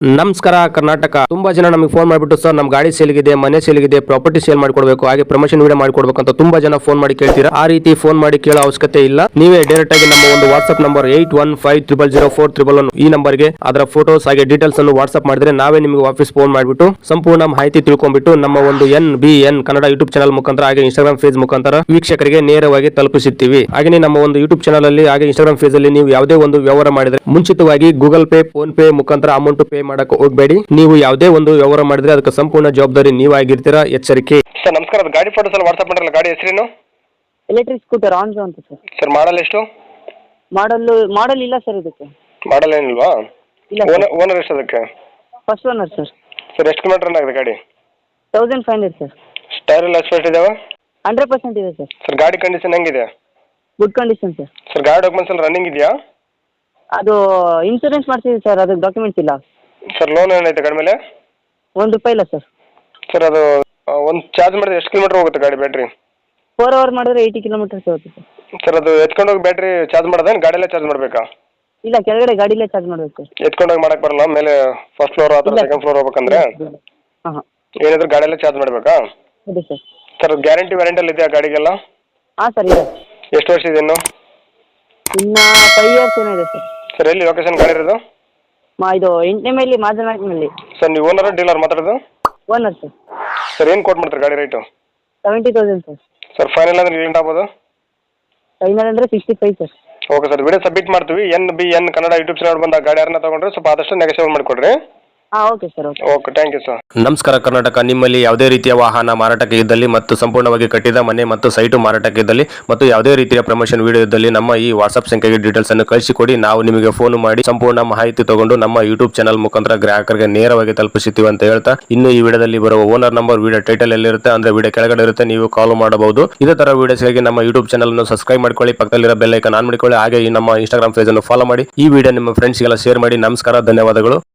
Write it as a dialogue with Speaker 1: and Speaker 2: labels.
Speaker 1: ನಮಸ್ಕಾರ ಕರ್ನಾಟಕ. ತುಂಬಾ ಜನ ನಮಗೆ ಫೋನ್ ಮಾಡಿಬಿಟ್ಟು ಸರ್ ನಮ್ಮ ಗಾಡಿ ಸೇಲ್ಗಿದೆ, ಮನೆ ಸೇಲ್ಗಿದೆ, ಪ್ರಾಪರ್ಟಿ ಸೇಲ್ ಮಾಡಿಕೊಡ್ಬೇಕು, ಹಾಗೆ ಪ್ರಮೋಷನ್ ವಿಡಿಯೋ ಮಾಡಿಕೊಡ್ಬೇಕು ಅಂತ ತುಂಬಾ ಜನ ಫೋನ್ ಮಾಡಿ ಕೇಳ್ತೀರಾ. ಆ ರೀತಿ ಫೋನ್ ಮಾಡಿ ಕೇಳೋ ಅವಶ್ಯಕತೆ ಇಲ್ಲ. ನೀವೇ ಡೈರೆಕ್ಟ್ ಆಗಿ ನಮ್ಮ ಒಂದು ವಾಟ್ಸ್ಆಪ್ ನಂಬರ್ 81500411 ಈ ನಂಬರ್ಗೆ ಅದರ ಫೋಟೋಸ್ ಹಾಗೆ ಡೀಟೇಲ್ಸ್ ಅನ್ನು ವಾಟ್ಸ್ಆಪ್ ಮಾಡಿದ್ರೆ ನಾವೇ ನಿಮಗೆ ವಾಪಸ್ ಫೋನ್ ಮಾಡಿಬಿಟ್ಟು ಸಂಪೂರ್ಣ ಮಾಹಿತಿ ತಿಳ್ಕೊಂಡ್ಬಿಟ್ಟು ನಮ್ಮ ಒಂದು NBN ಕನ್ನಡ ಯೂಟ್ಯೂಬ್ ಚಾನಲ್ ಮುಖಾಂತರ ಹಾಗೆ ಇನ್ಸ್ಟಾಗ್ರಾಮ್ ಪೇಜ್ ಮುಖಾಂತರ ವೀಕ್ಷಕರಿಗೆ ನೇರವಾಗಿ ತಲುಪಿಸುತ್ತೀವಿ. ಹಾಗೆ ನಮ್ಮ ಒಂದು ಯೂಟ್ಯೂಬ್ ಚಾನಲ್ ಅಲ್ಲಿ ಹಾಗೆ ಇನ್ಸ್ಟಾಗ್ರಾಮ್ ಪೇಜ್ ಅಲ್ಲಿ ನೀವು ಯಾವುದೇ ಒಂದು ವ್ಯವಹಾರ ಮಾಡಿದ್ರೆ ಮುಂಚಿತವಾಗಿ ಗೂಗಲ್ ಪೇ, ಫೋನ್ ಪೇ ಮುಖಾಂತರ ಅಮೌಂಟ್ ಪೇ ಮಾಡಕ್ಕೆ ಹೋಗಬೇಡಿ. ನೀವು ಯಾವುದೇ ಒಂದು ವ್ಯವಹಾರ ಮಾಡಿದ್ರೆ ಅದಕ್ಕೆ ಸಂಪೂರ್ಣ ಜವಾಬ್ದಾರಿ ನೀವಾಗಿರ್ತೀರಾ. ಎಚ್ಚರಿಕೆ.
Speaker 2: ಸರ್ ನಮಸ್ಕಾರ. ಗಾಡಿ ಫೋಟೋಸ್ ಎಲ್ಲ ವಾಟ್ಸ್ಆಪ್ ಮಾಡಿರಲ್ಲ, ಗಾಡಿ ಹೆಸರೇನು?
Speaker 3: ಎಲೆಕ್ಟ್ರಿಕ್ ಸ್ಕೂಟರ್ ಆನ್ಜೋ ಅಂತ ಸರ್.
Speaker 2: ಸರ್ ಮಾಡಲ್ ಎಷ್ಟು?
Speaker 3: ಮಾಡಲ್ ಇಲ್ಲ ಸರ್ ಇದಕ್ಕೆ.
Speaker 2: ಮಾಡಲ್ ಏನಿಲ್ವಾ?
Speaker 3: ಇಲ್ಲ.
Speaker 2: ಓನರ್ ಎಷ್ಟು ಅದಕ್ಕೆ?
Speaker 3: First owner sir.
Speaker 2: ಸರ್ ಎಷ್ಟು ಕಿಲೋಮೀಟರ್ ರನ್ ಆಗಿದೆ ಗಾಡಿ?
Speaker 3: 1500 ಸರ್.
Speaker 2: ಟೈರ್ ಎಲ್ಲ ಎಷ್ಟು ಇದಾವೆ?
Speaker 3: 100% ಇದೆ ಸರ್.
Speaker 2: ಸರ್ ಗಾಡಿ ಕಂಡೀಷನ್ ಹೆಂಗಿದೆ?
Speaker 3: Good condition sir.
Speaker 2: ಸರ್ ಗಾಡಿ ಡಾಕ್ಯುಮೆಂಟ್ಸ್ ಎಲ್ಲ ರನ್ನಿಂಗ್ ಇದೆಯಾ?
Speaker 3: ಅದು ಇನ್ಸೂರೆನ್ಸ್ ಮಾಡ್ತಿದ್ದೀವಿ ಸರ್, ಅದಕ್ಕೆ ಡಾಕ್ಯುಮೆಂಟ್ಸ್ ಇಲ್ಲ.
Speaker 2: ಸರ್ ಲೋನ್ ಏನೈತೆ ಗಾಡಿ ಮೇಲೆ?
Speaker 3: ₹1 ಇಲ್ಲ ಸರ್.
Speaker 2: ಸರ್ ಅದು ಒಂದು ಚಾರ್ಜ್ ಮಾಡಿದ್ರೆ ಎಷ್ಟು ಕಿಲೋಮೀಟರ್ ಹೋಗುತ್ತೆ ಗಾಡಿ ಬ್ಯಾಟ್ರಿ?
Speaker 3: 4 ಅವರ್ ಮಾಡಿದ್ರೆ 80 ಕಿಲೋಮೀಟರ್ಸ್ ಹೋಗುತ್ತೆ ಸರ್.
Speaker 2: ಸರ್ ಅದು ಎತ್ಕೊಂಡು ಹೋಗಿ ಬ್ಯಾಟ್ರಿ ಚಾರ್ಜ್ ಮಾಡೋದೇನು ಗಾಡಿಯಲ್ಲೇ ಚಾರ್ಜ್ ಮಾಡಬೇಕಾ?
Speaker 3: ಇಲ್ಲ, ಕೆಳಗಡೆ ಗಾಡಿಲೇ ಚಾರ್ಜ್ ಮಾಡಬೇಕು ಸರ್.
Speaker 2: ಎತ್ಕೊಂಡು ಹೋಗಿ ಮಾಡಕ್ಕೆ ಬರಲ್ಲ, ಮೇಲೆ ಫಸ್ಟ್ ಫ್ಲೋರ್ ಅಥವಾ ಸೆಕೆಂಡ್ ಫ್ಲೋರ್ ಹೋಗ್ಬೇಕಂದ್ರೆ
Speaker 3: ಹಾಂ
Speaker 2: ಏನಿದ್ರು ಗಾಡಿಯಲ್ಲೇ ಚಾರ್ಜ್ ಮಾಡಬೇಕಾ?
Speaker 3: ಇದೆ ಸರ್.
Speaker 2: ಸರ್ ಗ್ಯಾರಂಟಿ ವ್ಯಾರಂಟಿಯಲ್ಲಿ ಇದೆಯಾ ಗಾಡಿಗೆಲ್ಲ?
Speaker 3: ಹಾಂ ಸರ್ ಇದೆ.
Speaker 2: ಎಷ್ಟು ವರ್ಷ ಇದೆ ಇನ್ನು?
Speaker 3: ಇನ್ನು 5 ಇಯರ್ಸ್ ಏನೋ ಇದೆ ಸರ್.
Speaker 2: ಸರ್ ಎಲ್ಲಿ ಲೊಕೇಶನ್ ಗಾಡಿ ಇರೋದು?
Speaker 3: ಇದು 8ನೇ ಮೈಲಿ ಮಾದನಾಕ್ನಲ್ಲಿ.
Speaker 2: ಸರ್ ನೀವು ಓನರ್ ಡೀಲರ್ ಮಾತಾಡೋದು?
Speaker 3: Owner sir.
Speaker 2: ಸರ್ ಏನು ಕೊಟ್ಟು ಮಾಡ್ತಾರೆ ಗಾಡಿ ರೇಟು?
Speaker 3: 70,000 ಸರ್.
Speaker 2: ಸರ್ ಫೈನಲ್ ಅಂದ್ರೆ ಲಿಂಟ್ ಆಗ್ಬೋದು?
Speaker 3: ಫೈನಲ್ ಅಂದರೆ 65 sir.
Speaker 2: Okay sir, video submit ಮಾಡ್ತೀವಿ. NBN ಕನ್ನಡ ಯೂಟ್ಯೂಬ್ ಚಾನಲ್ ಬಂದ ಗಾಡಿ ಯಾರನ್ನ ತಗೊಂಡ್ರೆ ಸ್ವಲ್ಪ ಆದಷ್ಟು ನೆಗೆಸಿಬಲ್ ಮಾಡಿಕೊಡ್ರಿ.
Speaker 3: ಹಾಂ okay sir.
Speaker 2: Okay, thank you sir.
Speaker 1: ನಮಸ್ಕಾರ ಕರ್ನಾಟಕ. ನಿಮ್ಮಲ್ಲಿ ಯಾವುದೇ ರೀತಿಯ ವಾಹನ ಮಾರಾಟಕ್ಕೆ ಇದ್ದಲ್ಲಿ ಮತ್ತು ಸಂಪೂರ್ಣವಾಗಿ ಕಟ್ಟಿದ ಮನೆ ಮತ್ತು ಸೈಟು ಮಾರಾಟಕ್ಕೆ ಇದ್ದಲ್ಲಿ ಮತ್ತು ಯಾವುದೇ ರೀತಿಯ ಪ್ರಮೋಷನ್ ವಿಡಿಯೋ ಇದ್ದಲ್ಲಿ ನಮ್ಮ ಈ ವಾಟ್ಸ್ಆಪ್ ಸಂಖ್ಯೆಗೆ ಡೀಟೇಲ್ಸ್ ಅನ್ನು ಕಳಿಸಿಕೊಡಿ. ನಾವು ನಿಮಗೆ ಫೋನ್ ಮಾಡಿ ಸಂಪೂರ್ಣ ಮಾಹಿತಿ ತಗೊಂಡು ನಮ್ಮ ಯೂಟ್ಯೂಬ್ ಚಾನಲ್ ಮುಖಾಂತರ ಗ್ರಾಹಕರಿಗೆ ನೇರವಾಗಿ ತಲುಪಿಸುತ್ತೀವಿ ಅಂತ ಹೇಳ್ತಾ, ಇನ್ನು ಈ ವಿಡಿಯೋದಲ್ಲಿ ಬರುವ ಓನರ್ ನಂಬರ್ ವಿಡಿಯೋ ಟೈಟಲ್ ಎಲ್ಲಿರುತ್ತೆ ಅಂದ್ರೆ ವಿಡಿಯೋ ಕೆಳಗಡೆ ಇರುತ್ತೆ, ನೀವು ಕಾಲ್ ಮಾಡಬಹುದು. ಇದೇ ತರ ವಿಡಿಯೋಸ್ಗಾಗಿ ನಮ್ಮ ಯೂಟ್ಯೂಬ್ ಚಾನಲ್ ಅನ್ನು ಸಬ್ಸ್ಕ್ರೈಬ್ ಮಾಡ್ಕೊಳ್ಳಿ, ಪಕ್ಕದಲ್ಲಿರೋ ಬೆಲ್ ಐಕಾನ್ ಆನ್ ಮಾಡಿಕೊಳ್ಳಿ, ಹಾಗೆ ಈ ನಮ್ಮ ಇನ್ಸ್ಟಾಗ್ರಾಮ್ ಪೇಜ್ ಅನ್ನು ಫಾಲೋ ಮಾಡಿ. ಈ ವಿಡಿಯೋ ನಿಮ್ಮ ಫ್ರೆಂಡ್ಸ್ಗೆಲ್ಲ ಶೇರ್ ಮಾಡಿ. ನಮಸ್ಕಾರ, ಧನ್ಯವಾದಗಳು.